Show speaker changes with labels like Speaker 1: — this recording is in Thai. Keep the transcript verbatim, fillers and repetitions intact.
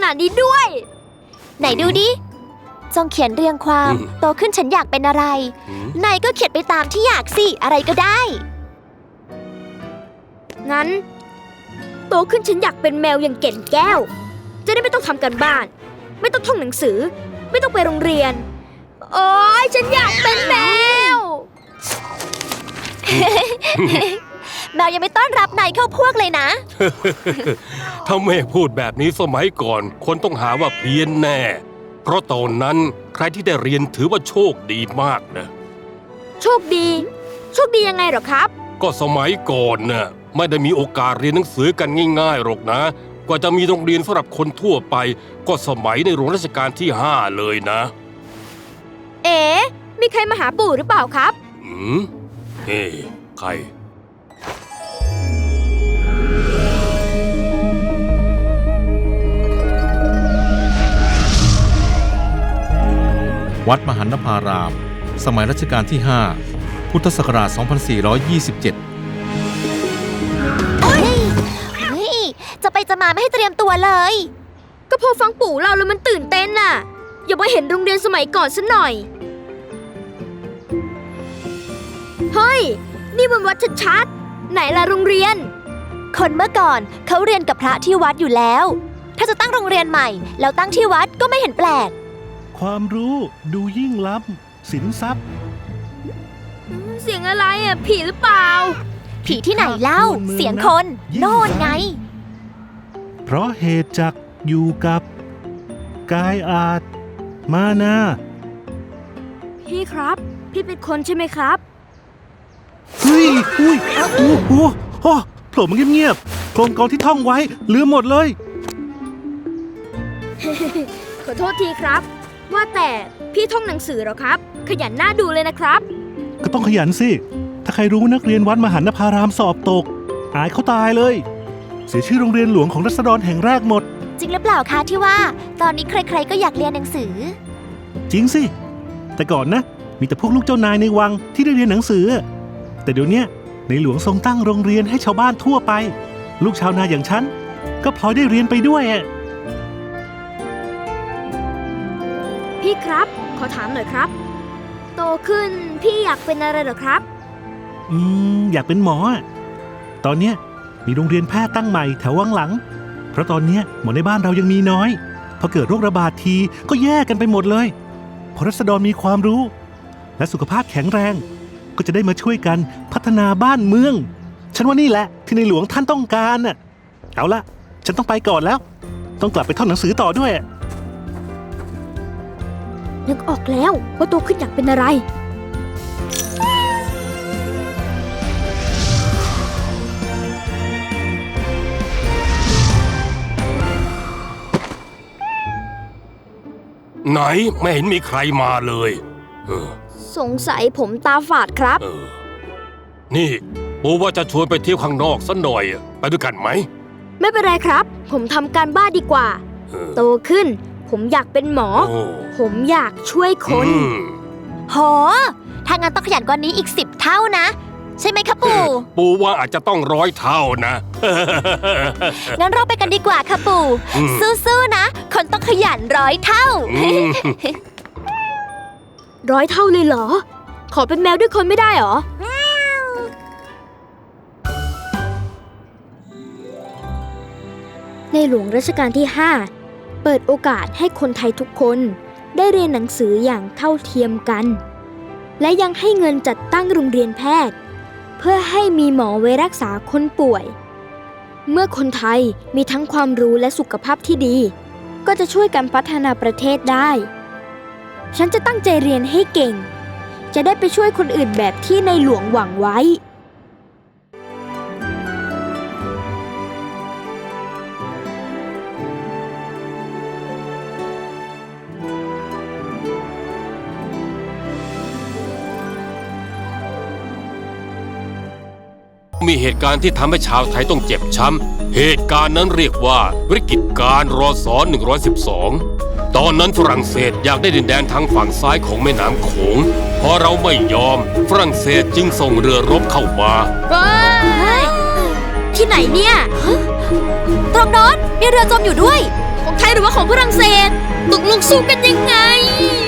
Speaker 1: นาดนี้ด้วย
Speaker 2: ไหนดูดิจงเขียนเรียงความโตขึ้นฉันอยากเป็นอะไรนายก็เขียนไปตามที่อยากสิอะไรก็ได้
Speaker 1: งั้นโตขึ้นฉันอยากเป็นแมวอย่างเก่นแก้วจะได้ไม่ต้องทำการบ้านไม่ต้องท่องหนังสือไม่ต้องไปโรงเรียนโอ๊ยฉันอยากเป็นแมว
Speaker 2: แมวยังไม่ต้อนรับนายเข้าพวกเลยนะ
Speaker 3: ถ้าแม่พูดแบบนี้สมัยก่อนคนต้องหาว่าเพี้ยนแน่เพราะตอนนั้นใครที่ได้เรียนถือว่าโชคดีมากนะ
Speaker 1: โชคดีโชคดียังไงหรอครับ
Speaker 3: ก็สมัยก่อนน่ะไม่ได้มีโอกาสเรียนหนังสือกันง่ายๆหรอกนะกว่าจะมีโรงเรียนสำหรับคนทั่วไปก็สมัยในหลวงรัชกาลที่ห้าเลยนะ
Speaker 1: เอ๋มีใครมาหาปู่หรือเปล่าครับ
Speaker 3: อืมเฮ้ใคร
Speaker 4: วัดมหันนภารามสมัยรัชกาลที่ห้าพุทธศักราช สองพันสี่ร้อยยี่สิบเจ็ด
Speaker 2: เฮ้ยเฮ้ยจะไปจะมาไม่ให้เตรียมตัวเลย
Speaker 1: ก็พอฟังปู่เล่าแล้วมันตื่นเต้นน่ะอย่ามาเห็นโรงเรียนสมัยก่อนซะหน่อยเฮ้ยนี่มันวัดชัดๆไหนล่ะโรงเรียน
Speaker 2: คนเมื่อก่อนเขาเรียนกับพระที่วัดอยู่แล้วถ้าจะตั้งโรงเรียนใหม่แล้วตั้งที่วัดก็ไม่เห็นแปลก
Speaker 5: ความรู้ดูยิ่งล้ำสินทรัพย์
Speaker 1: เสียงอะไรอ่ะผีหรือเปล่า
Speaker 2: ผีที่ไหนเล่าเสียงคนโน่นไง
Speaker 5: เพราะเหตุจักอยู่กับกายอาจมานา
Speaker 1: พี่ครับพี่เป็นคนใช่ไหมครับ
Speaker 5: เฮ้ยอุ้ยโอ้โหโอ้โผล่มาเงียบๆโครงกรที่ท่องไว้ลืมหมดเลย
Speaker 1: ขอโทษทีครับว่าแต่พี่ท่องหนังสือเหรอครับขยันหน้าดูเลยนะครับ
Speaker 5: ก็ต้องขยันสิถ้าใครรู้นักเรียนวัดมหันนภารามสอบตกอายเขาตายเลยเสียชื่อโรงเรียนหลวงของรัษฎรแห่งแรกหมด
Speaker 2: จริงหรือเปล่าคะที่ว่าตอนนี้ใครๆก็อยากเรียนหนังสือ
Speaker 5: จริงสิแต่ก่อนนะมีแต่พวกลูกเจ้านายในวังที่ได้เรียนหนังสือแต่เดี๋ยวนี้ในหลวงทรงตั้งโรงเรียนให้ชาวบ้านทั่วไปลูกชาวนาอย่างฉันก็พลอยได้เรียนไปด้วย
Speaker 1: พี่ครับขอถามหน่อยครับโตขึ้นพี่อยากเป็นอะไรเหรอครับ
Speaker 5: อืมอยากเป็นหมอตอนเนี้ยมีโรงเรียนแพทย์ตั้งใหม่แถววังหลังเพราะตอนเนี้ยหมอในบ้านเรายังมีน้อยพอเกิดโรคระบาดทีก็แย่กันไปหมดเลยพอรัษฎรมีความรู้และสุขภาพแข็งแรงก็จะได้มาช่วยกันพัฒนาบ้านเมืองฉันว่านี่แหละที่ในหลวงท่านต้องการน่ะเอาละฉันต้องไปก่อนแล้วต้องกลับไปท่องหนังสือต่อด้วย
Speaker 1: นึกออกแล้วว่าโตขึ้นอยากเป็นอะไร
Speaker 3: ไหนไม่เห็นมีใครมาเลยเออ
Speaker 1: สงสัยผมตาฝาดครับ
Speaker 3: เออนี่ปู่ว่าจะชวนไปเที่ยวข้างนอกสักหน่อยไปด้วยกันไหม
Speaker 1: ไม่เป็นไรครับผมทำการบ้านดีกว่าโตขึ้นผมอยากเป็นหมอผมอยากช่วยคน
Speaker 2: โหถ้างั้นต้องขยันกว่านี้อีกสิบเท่านะใช่ไหมคะปู่
Speaker 3: ปู่ว่าอาจจะต้องร้อยเท่านะ
Speaker 2: งั้นเราไปกันดีกว่าค่ะปู่สู้ๆนะคนต้องขยันร้อยเท่า
Speaker 1: ร้อยเท่าเลยเหรอขอเป็นแมวด้วยคนไม่ได้เหรอในหลวงรัชกาลที่ห้าเปิดโอกาสให้คนไทยทุกคนได้เรียนหนังสืออย่างเท่าเทียมกันและยังให้เงินจัดตั้งโรงเรียนแพทย์เพื่อให้มีหมอไว้รักษาคนป่วยเมื่อคนไทยมีทั้งความรู้และสุขภาพที่ดีก็จะช่วยกันพัฒนาประเทศได้ฉันจะตั้งใจเรียนให้เก่งจะได้ไปช่วยคนอื่นแบบที่ในหลวงหวังไว้
Speaker 3: มีเหตุการณ์ที่ทำให้ชาวไทยต้องเจ็บช้ำเหตุการณ์นั้นเรียกว่าวิกฤตการณ์รศหนึ่งร้อยสิบสองตอนนั้นฝรั่งเศสอยากได้ดินแดนทางฝั่งซ้ายของแม่น้ำโขงพอเราไม่ยอมฝรั่งเศสจึงส่งเรือรบเข้ามา
Speaker 1: ที่ไหนเนี่ย
Speaker 2: ตรงโน้นมีเรือจมอยู่ด้วย
Speaker 1: คงไทยหรือว่าของฝรั่งเศสตกลงสู้กันยังไง